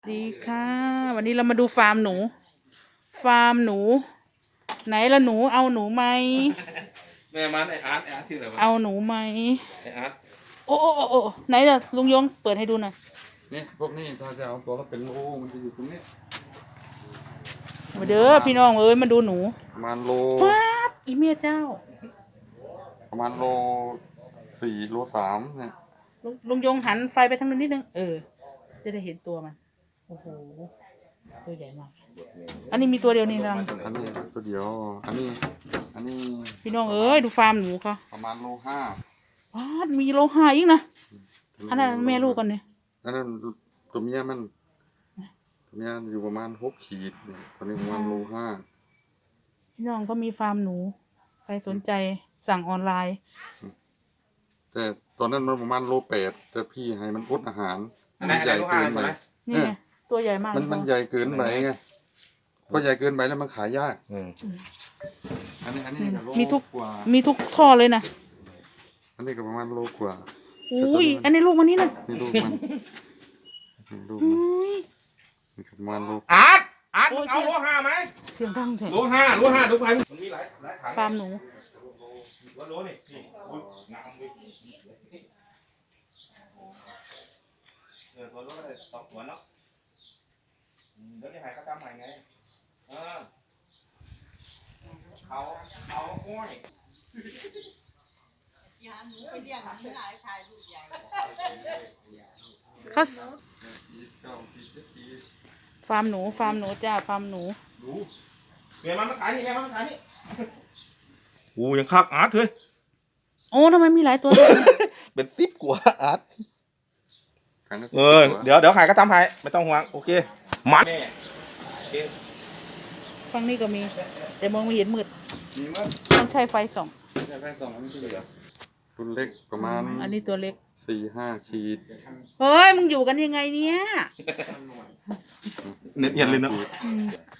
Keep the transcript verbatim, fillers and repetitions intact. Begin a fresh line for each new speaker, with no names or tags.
ดีค่ะ วันนี้เรามาดูฟาร์มหนู ฟาร์มหนู ไหนละหนูเอาหนูไหม
แม่มันไออาร์ตไออาร์ตชื่ออะไรวะ
เอาหนูไหม
ไออาร์ต
โอ้โอ้โอ้โอ้ไหนล่ะลุงยงเปิดให้ดูหน่อย
นี่พวกนี้ถ้าจะเอาตัวก็เป็นโลมันจะอยู่ตรงนี้
มาเด้อพี่น้องเอ้ยมาดูหนู
ประมาณโล
ว้าดอีเมียเจ้า
ประมาณโลสี่โลสามเนี่ย
ลุงลุงยงหันไฟไปทางนู้นนิดนึงเออ จะได้เห็นตัวมันโอ้โหตัวใหญ่มากอันนี้มีตัวเดียวนี่รัง
อันนี้ตัวเดียวอันนี้อันนี้
พี่น้องเอ้ยดูฟาร์มหนูเขา
ประมาณโลห้า
ว้าดมีโลหะอีกนะอันนั้นแม่ลูกกันเนี่ย
อันนั้นตัวเมียมันตัวเมียอยู่ประมาณหกขีดเนี่ยตัวนี้ประมาณโลห้า
พี่น้องก็มีฟาร์มหนูใครสนใจสั่งออนไลน์
แต่ตอนนั้นมันประมาณโลแปดแต่พี่ให้มันอดอาหาร
อันไหน
มันใหญ่เกินไป
นี่ไงตัวใหญ่มาก
มันมันใหญ่เกินไปไงพอใหญ่เกินไปแล้วมันขายยาก
อืม
อันนี้อันนี้ก็โล
มีทุก
กว่า
มีทุกท่อเลยนะ
อันนี้ก็ประมาณโลกว่า
อุ้ยอันนี้ลูกมันนี่นะ
นี่ลูกมันนี่ลูก
อุ้
มัน
ย
นี่ก็ประมาณโล
อาร์ตอาร์ต
โอ้
มึ
ย
งเอาโลห้าไหม
เสียงดังแท้
โลห้าโลห้าดูไปมันมีหลายหลายถัง
ฟาร์มหนู
ว่าโลนี่นี่อุ้ยงามเลยเออตัวโลก็ได้สองตัวเนาะอืมเดี๋ยวนี้หายเขาจำใหม่ไงเออเขาเขาห้วย
อย่าหนูไปเรียกหาเมื่อไหร่ชายลูกใหญ่
เขา
เก้าปีเจ็ดปี
ฟาร์มหนูฟาร์มหนูจ้าฟาร์มหนู
ดูแม่มันมาขายนี่แม่มันมาขายนี่โอ้ยังคักอาร์ตเฮ้ย
โอ้ทำไมมีหลายตัว
เป็นสิบกว่าอาร์ต
ครั้งละ
เออเดี๋ยวเดี๋ยวขายก็ทำให้ไม่ต้องห่วงโอเคมัด
ฝั่งนี้ก็มี แต่มองไม่เห็นมืด
มีมั้ย
ต้องใช้ไฟส่อง
ใช่แค่สองอันนี้ที่เหลือรุ่นเล็กประมาณ
อันนี้ตัวเล็ก
สี่ห้าขีด
เฮ้ยมึงอยู่กันยังไงเนี่ย
เน็ตเอียนเลยเนาะ
อืม